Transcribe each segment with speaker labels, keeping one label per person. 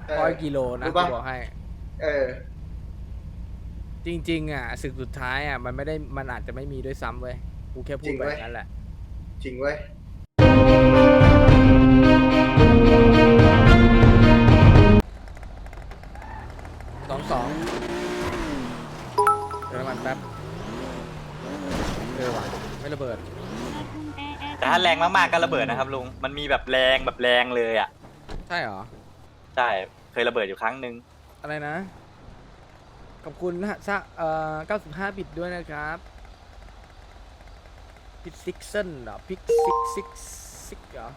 Speaker 1: 100 กิโลนะกูบอกให้
Speaker 2: เออ
Speaker 1: จริงๆอ่ะศึกสุดท้ายอ่ะมันไม่ได้มันอาจจะไม่มีด้วยซ้ำเว้ยกูแค่พูดแบบนั้นแหละ
Speaker 2: จริงเว้ย
Speaker 1: 22เดี๋ยวน้ำมันแป๊บว่ะไม่ระเบิด
Speaker 3: แต่ถ้าแรงมากๆก็ระเบิดนะครับลุงมันมีแบบแรงเลยอ่ะ
Speaker 1: ใช่เหรอ
Speaker 3: ใช่เคยระเบิดอยู่ครั้งหนึ่ง
Speaker 1: อะไรนะ ขอบคุณนะ95 บิตด้วยนะครับพิกซิกเซนเหรอพิกซิกเหรอ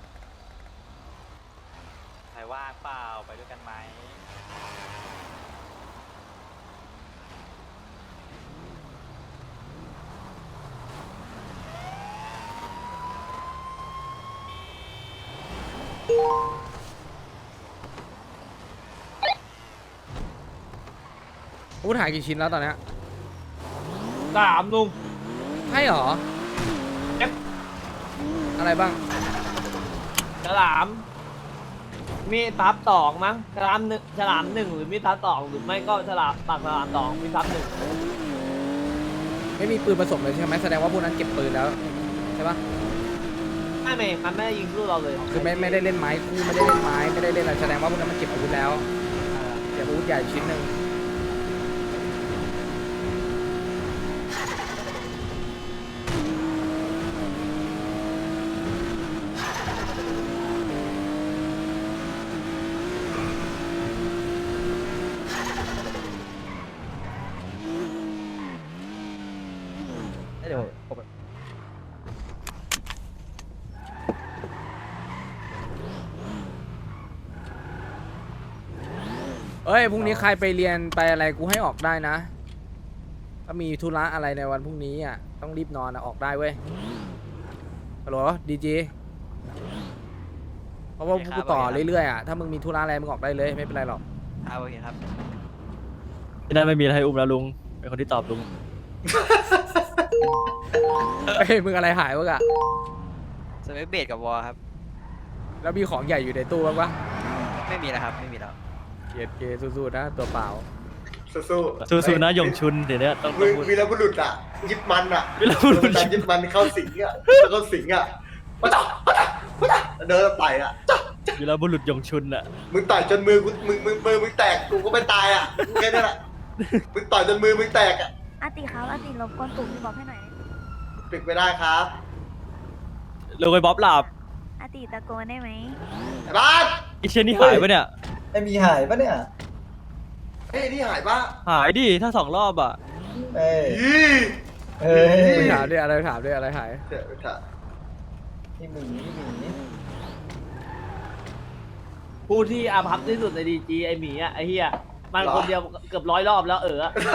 Speaker 3: ใครว่างเปล่าไปด้วยกันไหม
Speaker 1: พูดหายกี่ชิ้นแล้วตอนเนี้ย
Speaker 4: 3ลุง
Speaker 1: ใช่เหรอ อะไรบ้าง
Speaker 4: ฉลามมีทับ2มั้งฉลามหนึ่งหรือมีทับ2หรือไม่ก็ฉลามปากฉลาม2มีทับ1
Speaker 1: ไม่มีปืนผสมเลยใช่ไหมแสดงว่าพวกนั้นเก็บปืนแล้วใช่ปะ
Speaker 4: ไม่เมย์มันไม่ได้ยิงสู้เราเลย
Speaker 1: คือไม่ได้เล่นไม้คู่ไม่ได้เล่นไม้ไม่ได้เล่นอะไรแสดงว่าพวกนั้นมันเก็บอาวุธแล้วเก็บอาวุธใหญ่ชิ้นหนึ่ง
Speaker 4: เดี๋ยว
Speaker 1: เอ้ยพรุ่งนี้ใครไปเรียนไปอะไรกูให้ออกได้นะถ้ามีธุระอะไรในวันพรุ่งนี้อ่ะต้องรีบนอนนะออกได้เว้ยฮัลโหลดีจีเพราะว่ากูต่อเรื่อยๆอ่ะถ้ามึงมีธุระอะไรมึงออกได้เลยไม่เป็นไรหรอก
Speaker 3: โอเคครับ
Speaker 5: ที่นั่นไม่มีอะไรอุ้มแล้วลุงเป็นคนที่ตอบลุง
Speaker 1: เฮ้ยมึงอะไรหายวะกะ
Speaker 3: สเปคเบดกับวอลครับ
Speaker 1: แล้วมีของใหญ่อยู่ในตู้บ้างปะ
Speaker 3: ไม่มีแล้วครับไม่มีแล้ว
Speaker 1: เกียรเกสู้ๆนะตัวเปล่า
Speaker 2: สู้
Speaker 5: สู้ๆนะหยงชุนเดี๋ยวนี้ต้อง
Speaker 2: ๆมึง
Speaker 5: พูด
Speaker 2: วีรบุรุษอ่ะยิบมันอ่ะ
Speaker 5: วีรบุรุษ
Speaker 2: ยิบมันเข้าสิงอ่ะแล้วก็สิงอ่ะมาต่อเดินไปอ่ะ
Speaker 5: วีรบุรุษหยงชุนอ่ะ
Speaker 2: มึงต่อยจนมือกูมึงแตกกูก็ไม่ตายอ่ะแค่นั้นแหละมึงต่อยจนมือมึงแตกอ่ะ
Speaker 6: อาติครับอาติรบกวนปลุกพี่บ๊อบให้หน่อย
Speaker 2: ปิดไม่ได้ครับ
Speaker 5: ลุงไปบ๊อบหลับ
Speaker 6: อาติตะโกนได้ไหม
Speaker 2: ไอ้บ้าน
Speaker 5: ไอีเชนนี่หายปะเนี่ย
Speaker 7: ไอมีหายปะเนี่ย
Speaker 2: เฮ้ยนี่หายปะ
Speaker 5: หายดิถ้า2 รอบอ่ะ
Speaker 7: เอ้ย
Speaker 2: อี
Speaker 7: เอ้ย
Speaker 1: ไม่ถามด้วยอะไรถามด้วยอะไรหาย
Speaker 2: เดี๋ยวถาม
Speaker 7: นี่หมีหมี
Speaker 4: ผู้ที่อาภัพที่สุดในดีจีไอหมีอ่ะไอเฮียมันคนเดียวเกือบ100 รอบแล้ว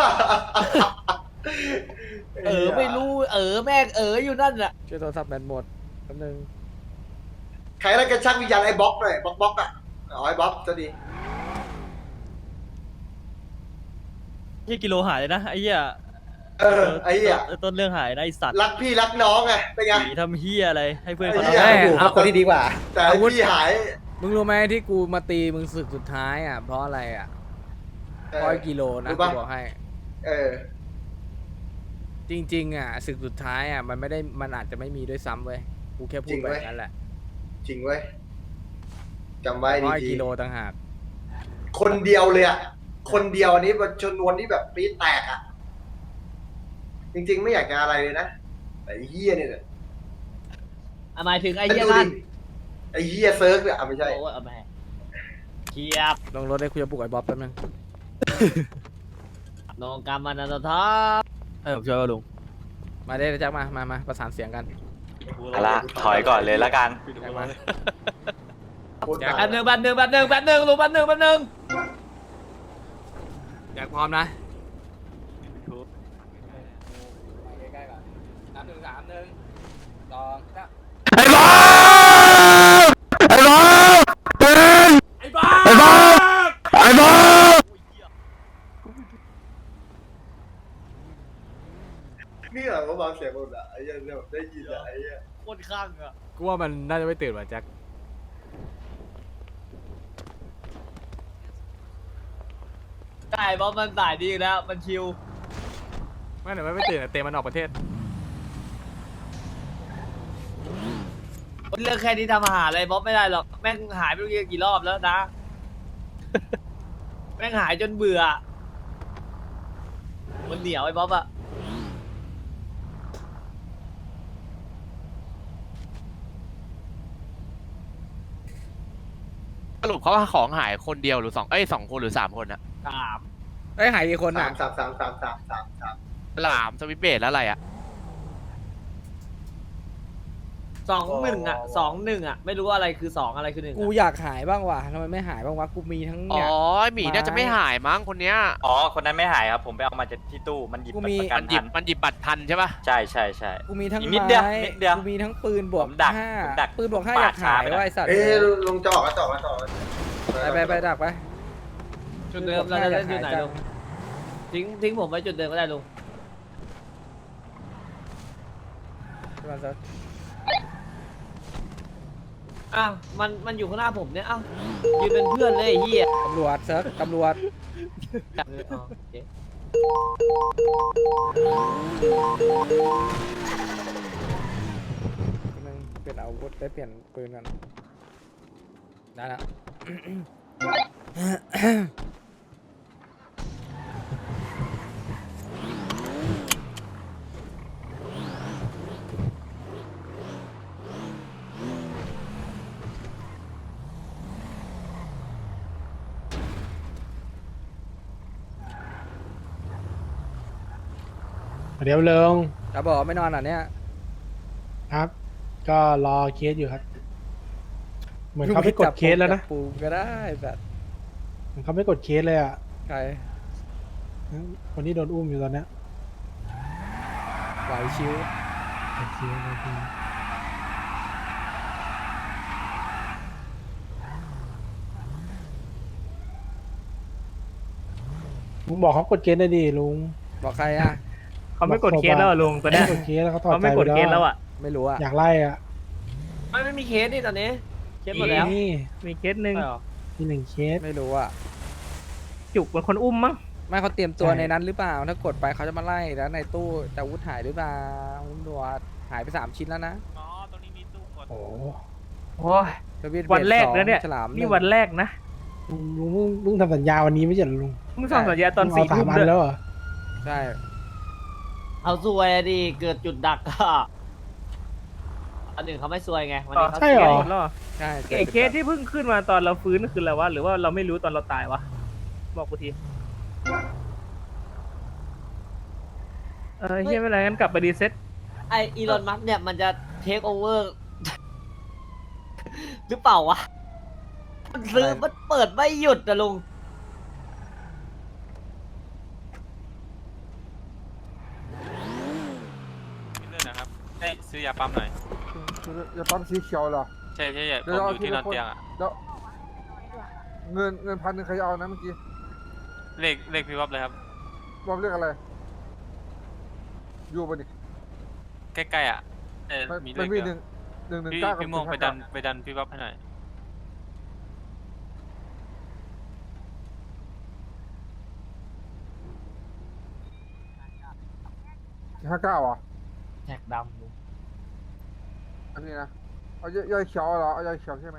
Speaker 4: ไม่รู้แม่งอยู่นั่นแหละ
Speaker 1: ช่วยโทรศัพท์แบตหมดแป๊บนึง
Speaker 2: ใครแล้วกันชักวิญญาณไอ้บล็อกหน่อยบล็อกอ่ะเอาไอ้บล็อกจะดี
Speaker 5: เฮียกิโลหายเลยนะไอ้เหี้ย
Speaker 2: ไอ้เหี้ย
Speaker 5: ต้นเรื่องหายนะไอสัตว์
Speaker 2: รักพี่รักน้องไงเป็นไง
Speaker 5: หนีทำเฮียอะไรให้เพื่อนเขา
Speaker 2: ไอ้เหี้ย
Speaker 5: ทำ
Speaker 1: เอ้ยเอาคนที่ดีกว่า
Speaker 2: แต่ไอ้พี่หาย
Speaker 1: มึงรู้ไหมที่กูมาตีมึงศึกสุดท้ายอ่ะเพราะอะไรอ่ะ100 กิโลนะ
Speaker 2: รู้
Speaker 1: กู
Speaker 2: ปะ
Speaker 1: บอกให้
Speaker 2: เออ
Speaker 1: จริงๆอ่ะศึกสุดท้ายอ่ะมันไม่ได้มันอาจจะไม่มีด้วยซ้ำเว้ยกูแค่พูดแบบนั้นแหละ
Speaker 2: จริงเว้ยจำไว้
Speaker 1: 100
Speaker 2: ดี
Speaker 1: กิโลต่างหาก
Speaker 2: ๆคนเดียวเลยอ่ะคนเดียวอันนี้มันชนวนที่แบบปี๊ดแตกอ่ะจริงๆไม่อยากจะอะไรเลยนะแต่ไอ้เฮียเนี่ย
Speaker 4: หมายถึงไอ
Speaker 2: ไอ้
Speaker 4: เฮีย
Speaker 2: ดู
Speaker 4: นั่
Speaker 2: ดิ
Speaker 4: น
Speaker 2: ไอ้เฮียเซิร์ฟเนี่ยไม่ใช่
Speaker 4: โอ้ยเอาแม่เทียบ
Speaker 1: ลงรถได้คุยกับปลุกไอ้บ๊อบแป๊บนึง
Speaker 4: นองกรรมมันนะท้า
Speaker 5: ให้ผมช่วยว่าลุง
Speaker 1: มาได้แจ็คมาประสานเสียงกัน
Speaker 3: เอาละถอยก่อนเลยละกัน
Speaker 1: แจ็คมา
Speaker 2: โคตร
Speaker 1: แจ็ค
Speaker 2: หนัก
Speaker 4: แป๊บนึงลุงแป๊บนึง
Speaker 1: แจ็คพร้อมนะใกล้ๆก่อน3 1 3 1 2 3
Speaker 5: ไอ้บ๊อบไอ้บ๊อบไอ้บ๊อบไอ้บ๊อบไอ้บ๊อบ
Speaker 2: นี่เหรอเขาบางเสียงหมดอ่ะไอ้เหี้ยเนี่ยแบบได้ยินอ่ะไอ้เหี้ย
Speaker 4: โคตรข้างอ่ะ
Speaker 1: กูว่ามันน่าจะไม่ตื่นว่ะแจ็ค
Speaker 4: ใช่เพราะมันสายดีอยู่แล้วมันชิว
Speaker 1: ไม่เดี๋ยวไม่ตื่นเตะมันออกประเทศ
Speaker 4: เรื่องแค่นี้ทำอาหารอะไรบ๊อบไม่ได้หรอกแม่งหายไปกี่รอบแล้วนะ แม่งหายจนเบื่อมันเหนียวไอ้บ๊อบอะ
Speaker 8: สรุปเขาว่าของหายคนเดียวหรือสองคนหรือ3 คนอะ
Speaker 4: สาม
Speaker 1: เอ้ยหายกี่คน
Speaker 2: สา
Speaker 1: อ่ะ
Speaker 2: มสามสามสามสามสามสาม
Speaker 8: หลามสวิตเบสแล้วอะไรอะ
Speaker 4: 2-1อะ2-1อะไม่รู้ว่าอะไรคือ2อะไรคือ1
Speaker 1: กูอยากหายบ้างว่ะทำไมไม่หายบ้างวะ กูมีทั้ง
Speaker 8: อ๋
Speaker 1: เนี่ย
Speaker 8: อหมีน่าจะไม่หายมั้งคนเนี้ย
Speaker 3: อ๋อคนนั้นไม่หายครับผมไปเอามาจากที่ตู้มันหยิบ
Speaker 1: กู
Speaker 3: บัต
Speaker 1: มี
Speaker 3: รประกั
Speaker 8: มัน นหยิบ
Speaker 3: ทัน
Speaker 8: มันหยิบบัตรทันใช่ปะ
Speaker 3: ใช่ใช่ใช่
Speaker 1: กูมีทั้ง
Speaker 3: อีกนิดเดียว
Speaker 1: ไม้
Speaker 3: นิดเดียว
Speaker 1: กูมีทั้งปืนบวก
Speaker 3: ผมดัก
Speaker 1: ห้า
Speaker 3: ผมดัก
Speaker 1: ปืนบวกห้า
Speaker 3: ปา
Speaker 1: อ
Speaker 3: ด
Speaker 1: ยากหาย
Speaker 3: ช้าไป
Speaker 1: ว่าไอสัตว์
Speaker 2: เอ้ยลุงจะออกแล้วจะออกแล้วจะออกแล้ว
Speaker 1: ไปดักไป
Speaker 4: จุดเดิมเราจะเล่นจุดไหนลุงทิ้งผมไว้จุดเดิมก็ได้ลุง
Speaker 1: มันจะ
Speaker 4: อ้าวมันอยู่ข้างหน้าผมเนี่ยอ้าวยืนเป็นเพื่อนเลยไอ้เหี้ย
Speaker 1: ตำรวจเซิร์ฟตำรวจ
Speaker 4: อ๋อโอเค
Speaker 1: นึงเปลี่ยนอาวุธได้เปลี่ยนปืนกันได้แล้ว
Speaker 9: เดี๋ยวเริง
Speaker 1: จะบอกไม่นอนอ่ะเนี่ย
Speaker 9: ครับ ก็รอเคสอยู่ครับ เหมือนเขาไม่กดเคสแล้วนะ
Speaker 1: จับปูก็ได้แบบ
Speaker 9: เหมือนเขาไม่กดเคสเลยอ่ะ
Speaker 1: ใคร
Speaker 9: คนที่โดนอุ้มอยู่ตอนเนี้ย
Speaker 1: ไหวชิว
Speaker 9: โอเคโอเคลุงบอกเขากดเคสได้ดิลุง
Speaker 1: บอกใครอ่ะ
Speaker 9: เขาไม่กดเคสแล้วลุงตอนนี้กดเคสแล้วเขาถอดใจไปแล้วอ่ะ
Speaker 1: ไม่รู้อ่ะ
Speaker 9: อยากไล่อ่ะ
Speaker 4: ไม่มีเคสนี่ตอนนี้เคสหมดแล้ว
Speaker 9: นี่
Speaker 10: มีเคสหนึ่ง
Speaker 4: ใช่เหรอ
Speaker 9: มี1เคส
Speaker 1: ไม่รู้อ่ะ
Speaker 10: จุกเป็นคนอุ้มมั้ง
Speaker 1: ไม่เขาเตรียมตัว
Speaker 9: ใช่
Speaker 1: ในนั้นหรือเปล่า ถ้ากดไปเขาจะมาไล่แล้วในตู้แต่อาวุธหายหรือเปล่าตำรวจหายไป3 ชิ้นแล้วนะ
Speaker 8: อ๋อตรงนี้มีตู้กด
Speaker 9: โอ้
Speaker 10: โอ้ย
Speaker 1: ทวิต
Speaker 10: วันแรก
Speaker 1: เบส
Speaker 10: แล้วเนี่ย
Speaker 1: ฉลาม
Speaker 10: นี่
Speaker 1: 1
Speaker 10: วันแรกนะ
Speaker 9: ลุงเพิ่งทำสัญญาวันนี้ไม่ใช่เหรอลุง
Speaker 10: มึงส่งสัญญาตอน
Speaker 9: ลุง
Speaker 10: 4 ทุ่ม
Speaker 9: เอา3 อัน
Speaker 10: ด้วย
Speaker 9: แล้วเหรอ
Speaker 1: ใช่
Speaker 4: เอาซวยอะดิเกิดจุดดักอะอันหนึ่งเขาไม่ซวยไงวันนี้เขา
Speaker 9: ใช่เหรอ
Speaker 10: หมดแล้วเหรอ
Speaker 1: ใช่
Speaker 10: ไอ้เคสที่เพิ่งขึ้นมาตอนเราฟื้นคืออะไรวะ หรือว่าเราไม่รู้ตอนเราตายวะ บอกกูที เฮียไม่เป็นไรงั้นกลับไปรีเซ็ต
Speaker 4: ไออีลอนมัสเนี่ยมันจะเทคโอเวอร์ หรือเปล่าวะมันซื้อมันเปิดไม่หยุดนะลุง
Speaker 8: เรื่องนะครับได้ซื้อยาปั๊มหน่อย
Speaker 11: จะปั๊มสีเขียวเหรอ
Speaker 8: ใช่ใช่ใช่ผ
Speaker 11: เดี๋ยว
Speaker 8: ม
Speaker 11: เรา
Speaker 8: อยู่ที่นอนเตียงอะ
Speaker 11: แล้วเงิน1,000ใครจะเอานะเมื่อกี้
Speaker 8: เลขพี่วับเลยครับ
Speaker 11: บอกเรื่องอะไร อยู่บนดิ
Speaker 8: ใกล้ๆอะมีเล
Speaker 11: มัน
Speaker 8: ข
Speaker 11: มี
Speaker 8: เดียว
Speaker 11: 1
Speaker 8: พี่
Speaker 11: 1 1 9กับ
Speaker 8: พี่ม่วงไปดันพี่วับให้หน่อย
Speaker 11: 59อ่ะ
Speaker 4: แท็กดำลุง
Speaker 11: อันนี้นะเอายายเขียวเหรอเอายายเขียวใช่ไหม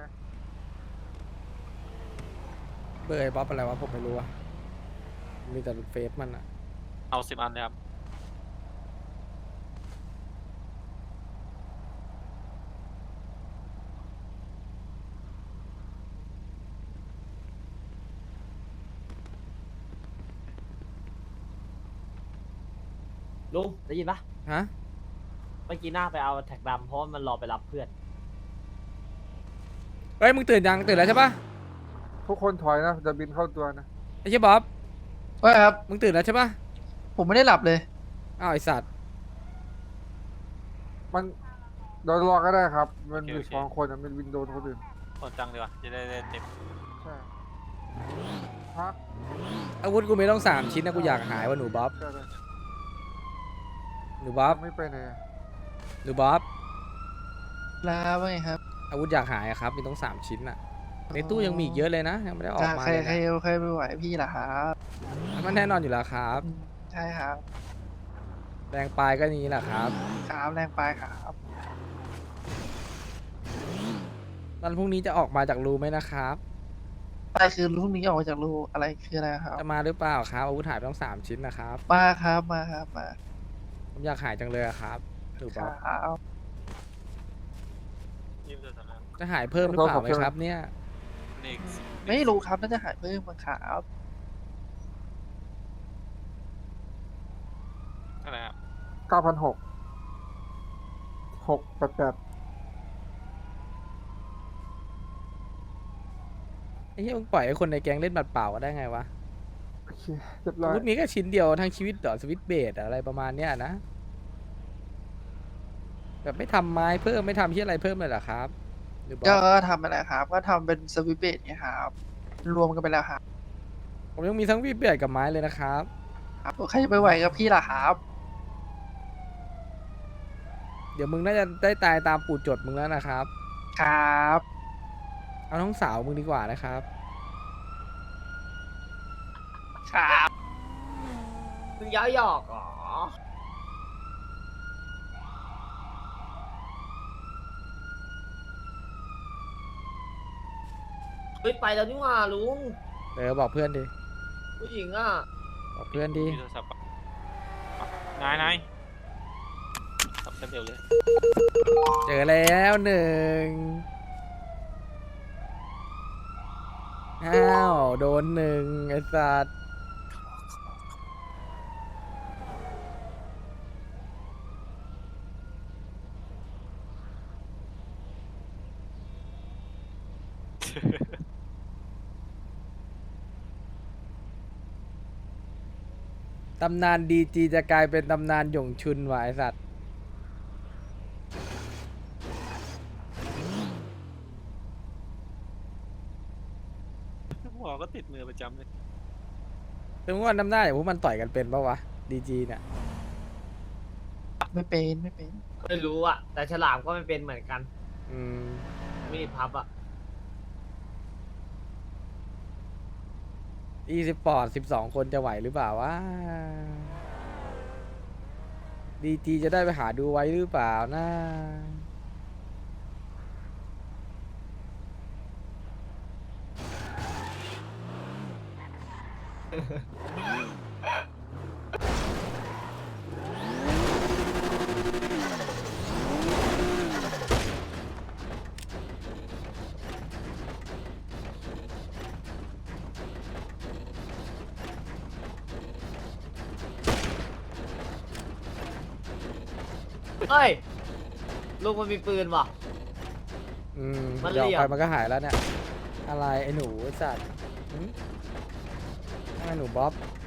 Speaker 1: เบอร์ไอ้บ๊อบอะไรวะผมไม่รู้อ่ะมีแต่เฟซมันอ่ะ
Speaker 8: เอา10 อันเลยครับ
Speaker 4: ลุงได้ยินปะ
Speaker 1: ฮะ
Speaker 4: เมื่อกี้หน้าไปเอาแท็กดำเพราะว่ามันรอไปรับเพื่อน
Speaker 1: เฮ้ยมึงตื่นยังตื่นแล้วใช่ปะ
Speaker 11: ทุกคนถอยนะจะบินเข้าตัวนะ
Speaker 1: ไอ้เชี่ยบ๊อบ
Speaker 7: ว่าครับ
Speaker 1: มึงตื่นแล้วใช่ปะ
Speaker 7: ผมไม่ได้หลับเลย
Speaker 1: อ้าวไอสัตว์
Speaker 11: มันเดี๋ยวรอก็ได้ครับ มัน
Speaker 8: โอเค
Speaker 11: มี
Speaker 8: โอเค
Speaker 11: 2 คนอะมันวินโดนคนอื่น
Speaker 8: คนจังดีกว่าจะได้เต็ม
Speaker 11: ใช่ฮะ
Speaker 1: อาวุธกูมีต้อง3 ชิ้นนะกูอยากหายว่ะหนูบ๊อบ
Speaker 11: ใช่เลย
Speaker 1: หนูบ๊อบ
Speaker 11: ไม่ไปไหนอะ
Speaker 1: หนูบ๊อบ
Speaker 7: ลาว่าไงครับ
Speaker 1: อาวุธอยากหายอะครับมีต้อง3 ชิ้นอ่ะในตู้ยังมีอีกเยอะเลยนะยังไม่ได้ออก
Speaker 7: จะ
Speaker 1: มา
Speaker 7: ใคร
Speaker 1: เลย
Speaker 7: ใคร
Speaker 1: นะ
Speaker 7: ใครไม่ไหวพี่ล่ะครับ
Speaker 1: มันแน่นอนอยู่แล้วครับ
Speaker 7: ใช่ครับ
Speaker 1: แรงปลายก็นี้แหละครับ
Speaker 7: ครับแรงไปครับ
Speaker 1: วันพรุ่งนี้จะออกมาจากรูไหมนะครับ
Speaker 7: ไปคือพรุ่งนี้ออกมาจากรูอะไรคืออะไรครับ
Speaker 1: จะมาหรือเปล่าครับอาวุธหายไปต้อง3 ชิ้นนะครับ
Speaker 7: มาครับมาครับมา
Speaker 1: ผมอยากหายจังเลยอะครับถูก
Speaker 7: ค
Speaker 1: ปะ
Speaker 7: รับ
Speaker 1: จะหายเพิ่มหรือเปล่าไหมครับเนี่ย
Speaker 7: ไม่รู้ครับน่าจะหายเพิ่มมั้งครับ
Speaker 8: อะไรครับ
Speaker 11: 9,600 688
Speaker 1: ไอ้เหี้ยมึงปล่อยให้คนในแก๊งเล่นบัตรเปล่าก็ได้ไงวะ
Speaker 11: โอเคเรียบร้
Speaker 1: อา
Speaker 11: อย
Speaker 1: วุธมีแค่ชิ้นเดียวทั้งชีวิตเหรอสวิตช์เบสอะไรประมาณเนี้ยนะ แบบไม่ทำไม้เพิ่มไม่ทำที่อะไรเพิ่มเลยเหรอครับหรือเป
Speaker 7: ก็
Speaker 1: ล่า
Speaker 7: ทำอะไรครับ ก็ทำเป็นสวิตช์เบสไงครับ รวมกันไปแล้วครับ
Speaker 1: ผมยังมีทั้งสวิตช์เบสกับไม้เลยนะครับ
Speaker 7: ครับใครจะไปไหวกับพี่ล่ะครับ
Speaker 1: เดี๋ยวมึงน่าจะได้ตายตามปู่จดมึงแล้วนะครับ
Speaker 7: ครับ
Speaker 1: เอาน้องสาวมึงดีกว่านะครับ
Speaker 7: ครับ
Speaker 4: มึงย้อยหยอกเหรอเฮ้ยไปแล้วนี่หว่าลุง
Speaker 1: บอกเพื่อนดิ
Speaker 4: ผู้หญิงอ่ะ
Speaker 1: บอกเพื่อนดิ
Speaker 8: มีโทรศัพท์ปะนายสับเร็วเลย
Speaker 1: เจอแล้วหนึ่งอ้าวโดนหนึ่งไอ้สัตว์ ตำนานดีจีจะกลายเป็นตำนานหยงชุนว่ะไอสัตว์
Speaker 8: หัวก็ติดมือประจำเลย
Speaker 1: ถึงว่าน้ำหน้าอย่างพวกมันต่อยกันเป็นปะวะดีจีเนี่ย
Speaker 7: ไม่เป็นไม่เป็น
Speaker 4: ไม่รู้อ่ะ แต่ฉลามก็ไม่เป็นเหมือนกัน
Speaker 1: อืม
Speaker 4: มีดพับอ่ะ
Speaker 1: e-sport 12 คนจะไหวหรือเปล่าวะดีจีจะได้ไปหาดูไว้หรือเปล่านะ
Speaker 4: เฮ้ย ลุงมันมีปืนว่ะ
Speaker 1: อืม
Speaker 4: มัน
Speaker 1: เดี๋ยวอ
Speaker 4: เหลี่
Speaker 1: อก
Speaker 4: ยม
Speaker 1: ไปมันก็หายแล้วเนี่ย อะไรไอ้หนูไอ้สัตว์หึไอ้หนูบ๊อบ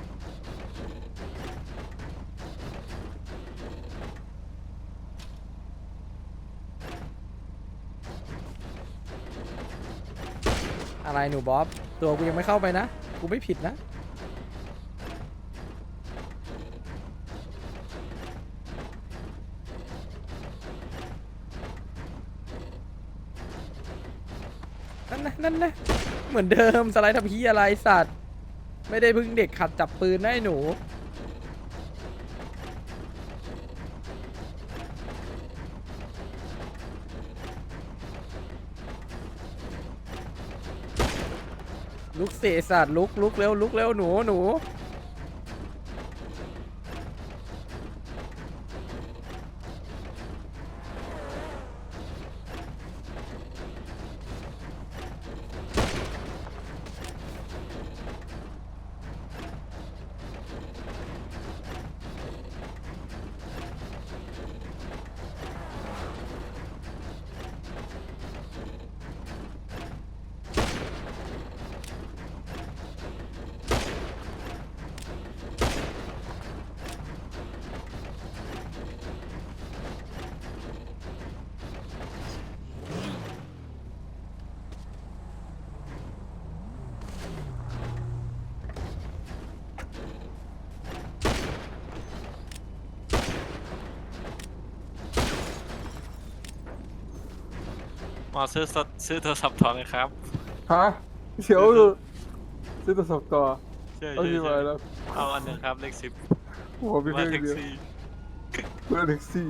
Speaker 1: อะไรหนูบ๊อบ ตัวกูยังไม่เข้าไปนะ กูไม่ผิดนะ นั่นนะเหมือนเดิมสไลด์ทำพีอะไรสัตว์ ไม่ได้เพึ่งเด็กขัดจับปืนนะไอ้หนู ลุกเสสัตว์ลุกเร็วลุกเร็วหนู
Speaker 8: มาซื้อโทรศัพท์ถอนเลยครับ
Speaker 11: ฮะเขียวคือซื้อตัวสองตัว
Speaker 8: ใช่
Speaker 11: เอาที่มาแล้ว
Speaker 8: เอาอันหนึ่งครับเลข10
Speaker 11: โอ้โหมี
Speaker 8: มา
Speaker 11: เพียง
Speaker 8: แท็ก
Speaker 11: เดียว
Speaker 8: ซี่
Speaker 11: เพื่อแท็กซี่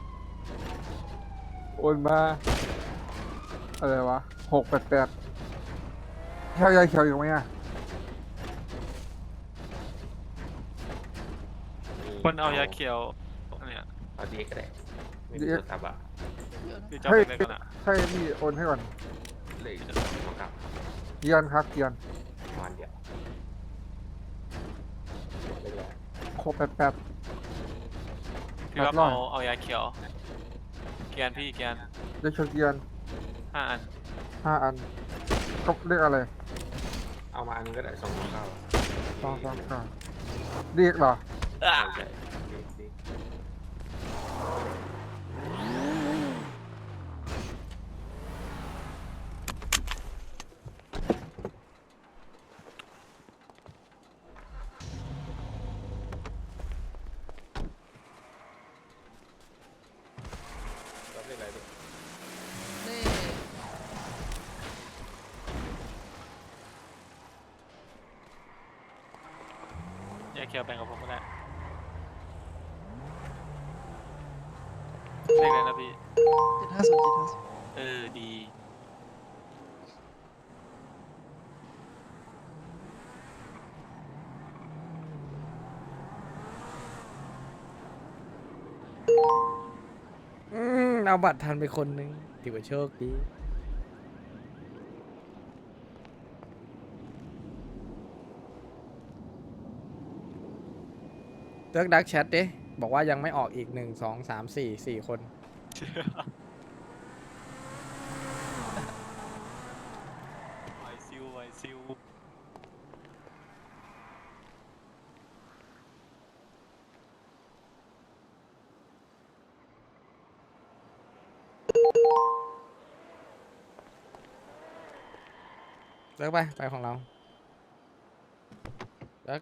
Speaker 11: โอนมาอะไรวะ688แค่ยายเขียวอยู่ไหมอ่ะ
Speaker 8: คนเอายาเขียวเนี่ย
Speaker 5: เอาดีก็ได้ไม่มี
Speaker 11: เดี๋ยว
Speaker 5: โทรศัพท์อ่ะ
Speaker 8: พี่เจ้าเป็นอะไรกันอ่ะ
Speaker 11: ใช่นี่โอนให้ก่อน
Speaker 5: เลยจะต้องกลับ
Speaker 11: เกียนครับเกียน
Speaker 5: วันเดียวไปเลย
Speaker 11: 688
Speaker 8: พี่ว่า
Speaker 11: ร้อย
Speaker 8: เอายาเขียวเกียนพี่เกียน
Speaker 11: ยายเขียวเกียน
Speaker 8: 5 อัน
Speaker 11: 5 อันก็เรียกอะไร
Speaker 5: เอามาอันนึงก็ได้2
Speaker 11: 2เรียกเหรอ
Speaker 5: ใช่ใช่
Speaker 8: ยาเขียวแบ่งกับผมก็ได้เลขอะไรนะพี่
Speaker 7: 750
Speaker 8: ดี
Speaker 1: เอาบัตรทันไปคนนึงถือว่าโชคดีเลิกดักแชทดิบอกว่ายังไม่ออกอีก1 2 3 4 4 คน
Speaker 8: ไวซิว
Speaker 1: เลิกไปของเราเลิก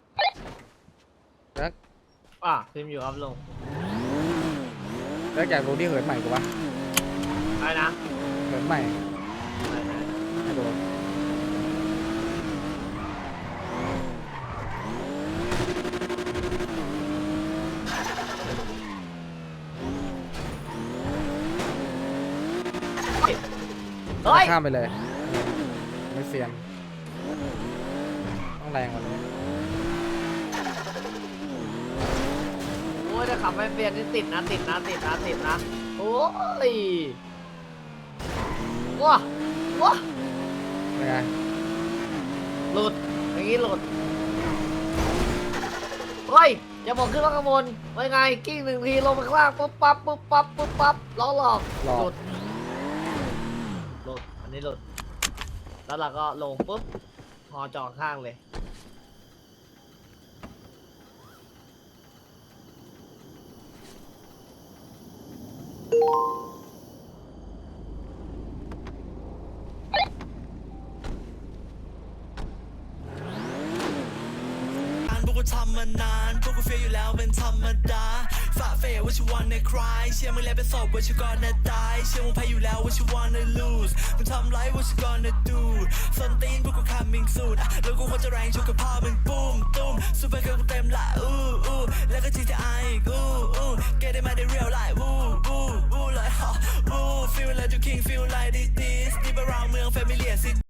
Speaker 4: พิมพ์อยู่ครับลุง
Speaker 1: เลิกอยากรู้ที่เหินใหม่กูปะ
Speaker 4: อะไรนะ
Speaker 1: เหินใหม่ให้ดูข้ามไปเลยไม่เซียนต้องแรงกว่านี้
Speaker 4: โอ้ยถ้าขับไม่เปลี่ยนนี่ติดนะโอ้ยว้า
Speaker 1: เป็นไง
Speaker 4: หลุดอย่างงี้หลุดเฮ้ยอย่าบอกขึ้นว่าข้างบนว่าไงกิ้ง1 ทีลงมาข้างล่างปุ๊บปั๊บล้อหลอก
Speaker 1: หลอก
Speaker 4: หลุดอันนี้หลุดแล้วเราก็ลงปุ๊บหอจอข้างเลย
Speaker 12: พวกกูทำมานานพวกกูเฟียอยู่แล้วเป็นธรรมดาฝ่าเฟยว่าชิวันในคลายเชื่อมึงแล้วเป็นศพว่าชิวก่อนนะตายเชื่อมึงแพ้อยู่แล้วว่าชิวันใน lose มึงทำไรว่าชิก่อนนะ do ส้นตีนพวกกู coming soon แล้วกูควรจะแรงชุกกับพ่อมึงปุ้มตุ้มซูเปอร์เกิร์ลกูเต็มละแล้วก็ GTI อีกget it มาได้ real life like feel like you king feel like this deep around เมือง familiar city